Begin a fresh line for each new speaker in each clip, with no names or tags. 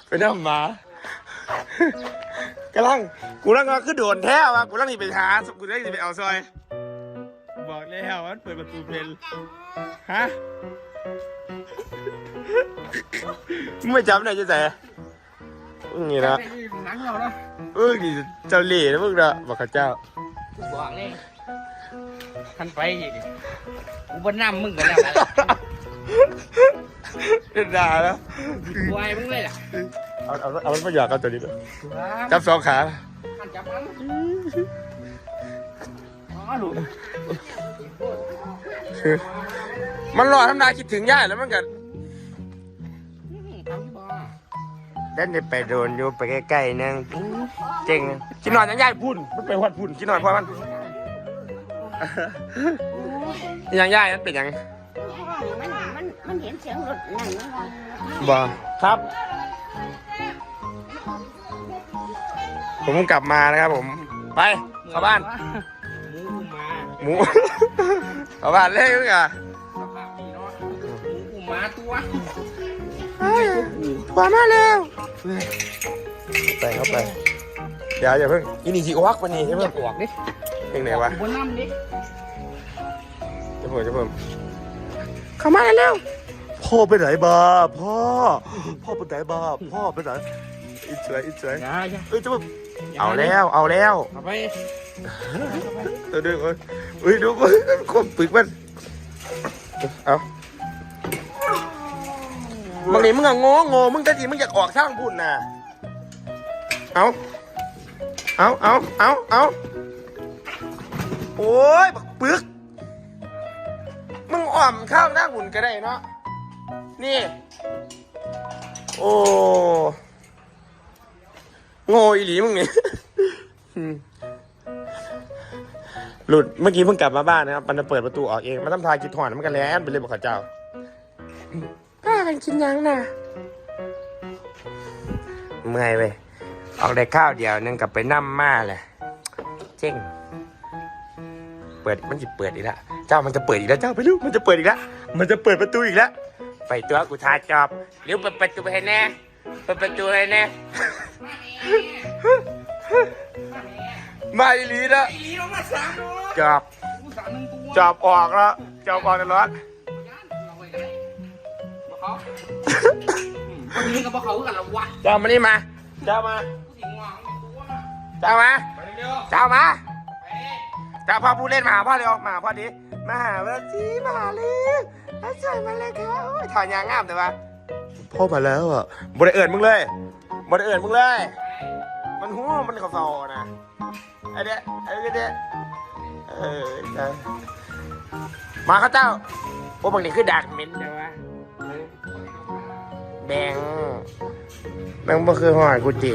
ไปนั่งหมากำลังกูนั่งก็คือโดนแท้ว่ะกูนั่งนี่ไปหากูนั่งนี่ไปเอาซอยบอกแล้วมันเปิดประตูเพลนฮะมึงไม่จำได้จะใส่นี่นะ
หนังเราเนาะ
นี่เจ้าเล่ห์นะมึงนะบอกข้าเจ้า
บอกเลยทันไปอีกกูบนน้ำมึงบนน้ำอะไร
ด่าแล้ว
วายมึงเลยล่ะ
เอามันประหยัดกันตัวนี้ด้วยจับสองขา
ทันจับมันอ๋อหลุด
มันรอทำนายคิดถึงย่าแล้วมันกันเดินไปโดนอยู่ไปใกล้ๆนึงเจ๋งกินนอนยังย่าพุ่นมันไปวัดพุ่นกินนอนเพราะมันยังย่านั้นเป็นยัง
มันเห็นเสียงรถนั่น
บ่ครับผมกลับมานะครับผมไปเข้าบ้านหมูเข้าบ้านเล่นกัน
มาตัว
ตัวมาแล้วไปเข้าไปอย่าเพิ่งอินี่สิอวักวันนี้ใช่ไหม
ออกดิ
ยังไงวะ
บนน้ำดิ
จะเพิ่มเข้ามาแล้วพ่อไปไหนบ้าพ่อไปไหนบ้าพ่อไปไหนอิจฉาจะเพิ่มเอาแล้วเอาไปตัวดึงดูคมปึกมันเอาบางทีมึงอะโง่มึงแต่ทีมึงอยากออกช่างพุ่นน่ะเอาโอ้ยบักปึกมึงอ่อมข้าวหน้าหุ่นก็ได้เนาะนี่โอ้โง่อีหลีมึงนี่หลุดเมื่อกี้เพิ่งกลับมาบ้านนะครับมันจะเปิดประตูออกเองมันทำทายกินถอนมันกันแล้วไปเลยบอกข้าเจ้าป้ากันกินยังน่ะเมื่อยไปออกได้ข้าวเดียวนึงกับไปนั่มมาเลยเจ๊งเปิดมันจะเปิดอีกแล้วเจ้ามันจะเปิดอีกแล้วเจ้าไปลูกมันจะเปิดอีกแล้วมันจะเปิดประตูอีกแล้วไปตัวกูทาจอบเร็วเปิดประตูให้แน่เปิดประตูให้แน่มาอีหลีนะจอบออกแล้วจอบออกตลอด
คนนี้กับเขากันละวะ
เจ้ามานี่มาเจ้ามาเจ้าพ่อผู้เล่นมาหาพ่อเร็วมาพ่อดิมาหาวันจีมาเลยแล้วใส่มาเลยครับถอนยางงามแต่ว่าพ่อมาแล้วอ่ะบริเอิญมึงเลยมันหัวมันกระเป๋านะไอ้เด็กมาข้าเจ้าโอ้บางทีคือดักเหม็นแต่ว่าแบงบ่คือหอยกูจี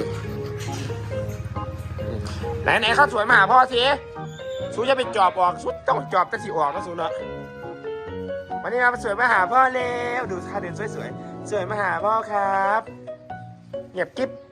ไหนข้าวสวยมาหาพ่อสิสูจะไปจอบออกสุดต้องจอบกันสิออกนะสูเนาะวันนี้มาสวยมาหาพ่อเร็วดูท่าเดินสวยมาหาพ่อครับเงียบกิ๊บ